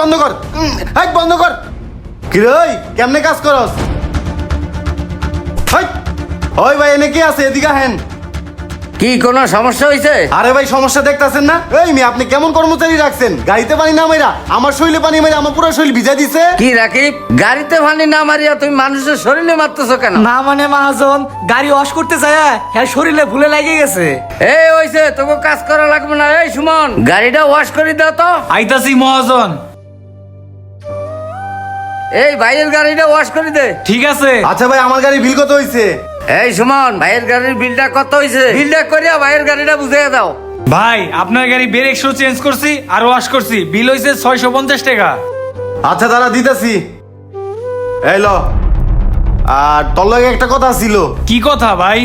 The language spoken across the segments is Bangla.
বন্ধ কর, হাই বন্ধ কর। কি রে ওই কেমনে কাজ করস? হাই ওই ভাই এনে কি আছে, এদিকে হেন। কি কোনো সমস্যা হয়েছে? আরে ভাই সমস্যা দেখতাছেন না? এই মি আপনি কেমন কর্মচারী রাখছেন? গাড়িতে পানি না মাইরা আমার শরীরে পানি মাইরা আমার পুরো শরীর ভিজা দিছে। কি রাকিব, গাড়িতে পানি না মারিয়া তুমি মানুষের শরীরে মারতেছো কেন? না মানে মহাজন, গাড়ি ওয়াশ করতে যায় হ্যাঁ শরীরে ভুলে লাগে গেছে। এই হইছে, তোকে কাজ করা লাগবে না। এই সুমন, গাড়িটা ওয়াশ করে দাও তো। আইতাছি মহাজন। এই ভাইয়ের গাড়িটা ওয়াশ করে দে। ঠিক আছে। আচ্ছা ভাই আমার গাড়ি বিল কত হইছে? এই সুমন, ভাইয়ের গাড়ির বিলটা কত হইছে? বিলটা করিয়া ভাইয়ের গাড়িটা বুঝিয়ে দাও। ভাই আপনার গাড়ি ব্রেক শো চেঞ্জ করছি আর ওয়াশ করছি, বিল হইছে 650 টাকা। আচ্ছা দাদা দিতেছি, এই ল। আর তোর লগে একটা কথা ছিল। কি কথা ভাই?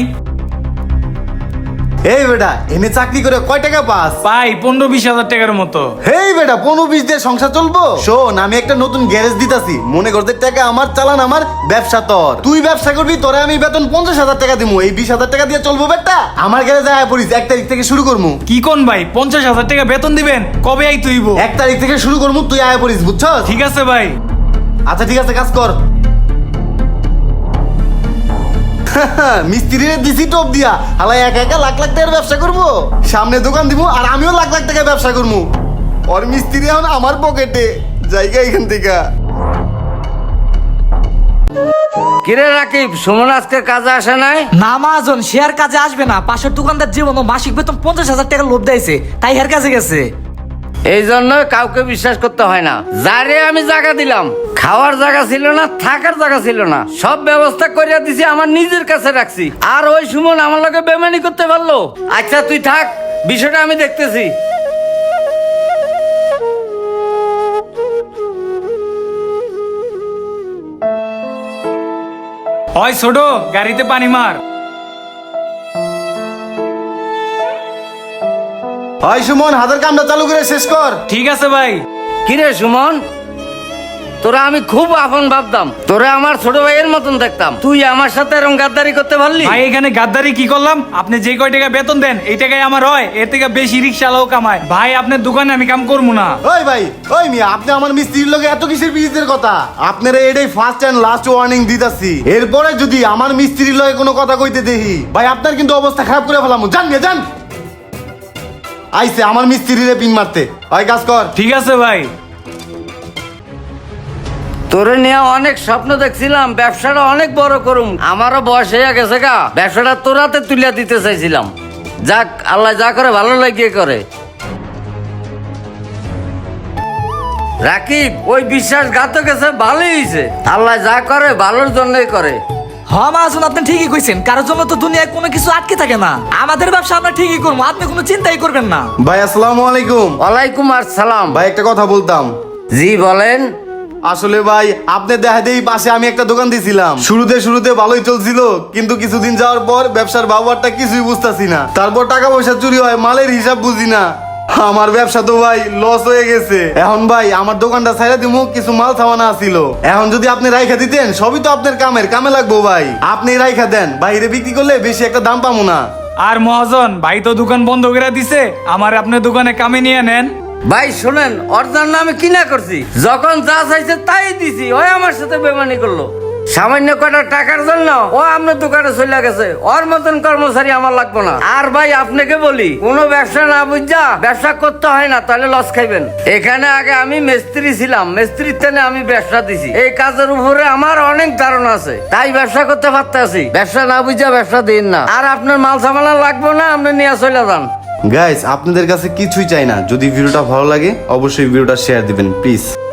এই বেটা এনে চাকরি করে কয় টাকা পাস? পাই 15-20 হাজার টাকার মতো। হেই বেটা 15-20 দিয়ে সংসার চলবো? শোন আমি একটা নতুন গ্যারেজ দিতাছি, মনে করতে টাকা আমার চালান, আমার ব্যবসা তোর। তুই ব্যবসা করবি, তোরে আমি বেতন 50,000 টাকা দিমু। এই 20,000 টাকা দিয়ে চলবো বেটা? আমার গ্যারেজে আয় পড়িস, 1 তারিখ থেকে শুরু করমু। কি কোন ভাই, 50,000 টাকা বেতন দিবেন? কবে আই তুইব? 1 তারিখ থেকে শুরু করমু, তুই আয় পড়িস, বুঝছস? ঠিক আছে ভাই। আচ্ছা ঠিক আছে, কাজ কর। মিস্ত্রিরে দিছি টপ দিয়া, হালাই একা একা লাখ লাখ টাকার ব্যবসা করবো। সামনে দোকান দিব আর আমিও লাখ লাখ টাকা ব্যবসা করবো। ওর মিস্ত্রি এখন আমার পকেটে, জায়গা এখান থেকে। কিরে রাকিব, সুমন আজকে কাজে আসে নাই? না মহাজন, সে আর কাজে আসবে না। পাশের দোকানদার জীবন মাসিক বেতন 50,000 টাকা লোভ দিয়েছে, তাই হের কাছে গেছে। এই জন্য কাউকে বিশ্বাস করতে হয় না। যারে আমি জায়গা দিলাম, খাওয়ার জায়গা ছিল না, থাকার জায়গা ছিল না, সব ব্যবস্থা করিয়া দিছি, আমার নিজের কাছে রাখছি। আর ওই সুমন আমার লগে বেমানি করতে পারলো? আচ্ছা তুই থাক, বিষয়টা আমি দেখতেছি। হয় ছোট, গাড়িতে পানি মার। হয় সুমন, হাতের কামটা চালু করে শেষ কর। ঠিক আছে ভাই। কিরে সুমন, তোরা আমি খুব আপন ভাবতাম, তোরা আমার ছোট ভাইয়ের মতন দেখতাম, তুই আমার সাথে এরকম গাদ্দারি করতে পারলি? ভাই এখানে গাদ্দারি কি করলাম? আপনি যে কয় টাকা বেতন দেন এই টাকাই আমার হয়, এর থেকে বেশি রিক্সালাও কামায়। ভাই আপনার দোকানে আমি কাম করবো না। ওই ভাই, ওই মিয়া আপনি আমার মিস্ত্রির লগে এত কিসের বিজনেসের কথা? আপনারা এটাই ফার্স্ট এন্ড লাস্ট ওয়ার্নিং দিতাছি। এরপরে যদি আমার মিস্ত্রির লগে কোনো কথা কইতে দেখি, ভাই আপনার কিন্তু অবস্থা খারাপ করে ফেলাম। জান মিয়া জান। আইছে আমার মিস্ত্রিরে পিন মারতে। ওই কাজ কর। ঠিক আছে ভাই। তোরে নিয়ে অনেক স্বপ্ন দেখছিলাম, ব্যবসাটা অনেক বড় করুম, আমারও বয়স হয়ে গেছে গা, ব্যবসাটা তোরাতে তুলে দিতে চাইছিলাম। যাক, আল্লাহ যা করে ভালো লাগিয়ে করে। রাকিব, ওই বিশ্বাসঘাতক গেছে, ভালোই হয়েছে। আল্লাহ যা করে ভালোর জন্যই করে। হ্যাঁ মহাজন, আপনি ঠিকই কইছেন, কারোর জন্য তো দুনিয়ায় কোনো কিছু আটকে থাকে না। আমাদের ব্যবসা আমরা ঠিকই করবো, আপনি কোনো চিন্তাই করবেন না। ভাই আসসালামু আলাইকুম। ওয়ালাইকুম আসসালাম। ভাই একটা কথা বলতাম। জি বলেন। আসলে ভাই আপনি দেখা দেই পাশে আমি একটা দোকান দিয়েছিলাম, শুরুতে ভালোই চলছিল, কিন্তু কিছুদিন যাওয়ার পর ব্যবসার ব্যবহারটা কিছুই বুঝতাছি না। তারপর টাকা পয়সা চুরি হয়, মালের হিসাব বুঝি না। আমার ব্যবসা তো ভাই লস হয়ে গেছে। এখন ভাই আমার দোকানটা ছাইড়া দিমু, কিছু মাল থামানা ছিল। এখন যদি আপনি রাইখা দিতেন, সবই তো আপনার কামে লাগবো ভাই। আপনি রাইখা দেন, বাইরে বিক্রি করলে বেশি একটা দাম পাবো না। আর মহাজন, ভাই তো দোকান বন্ধ করে দিছে, আমার আপনার দোকানে কামে নিয়ে নেন। ভাই শোনেন, ওর জন্য আমি কিনা করছি, যখন যা চাইছে তাই দিছি, ওই আমার সাথে বেমানি করলো। সামান্য কটা টাকার জন্য ও আপনার দোকানে চলে গেছে। ওর মতন কর্মচারী আমার লাগবে না। আর ভাই আপনাকে বলি, কোনো ব্যবসা না বুঝা ব্যবসা করতে হয় না, তাহলে লস খাইবেন। এখানে আগে আমি মিস্ত্রি ছিলাম, মিস্ত্রির থেকে আমি ব্যবসা দিছি। এই কাজের উপরে আমার অনেক ধারণা আছে, তাই ব্যবসা করতে পারতেছি। ব্যবসা না বুঝা ব্যবসা দিন না। আর আপনার মাল সামানা লাগবে না, আপনি নিয়ে চলে যান। গাইস আপনাদের কাছে কিছুই চাই না, যদি ভিডিওটা ভালো লাগে অবশ্যই ভিডিওটা শেয়ার দিবেন প্লিজ।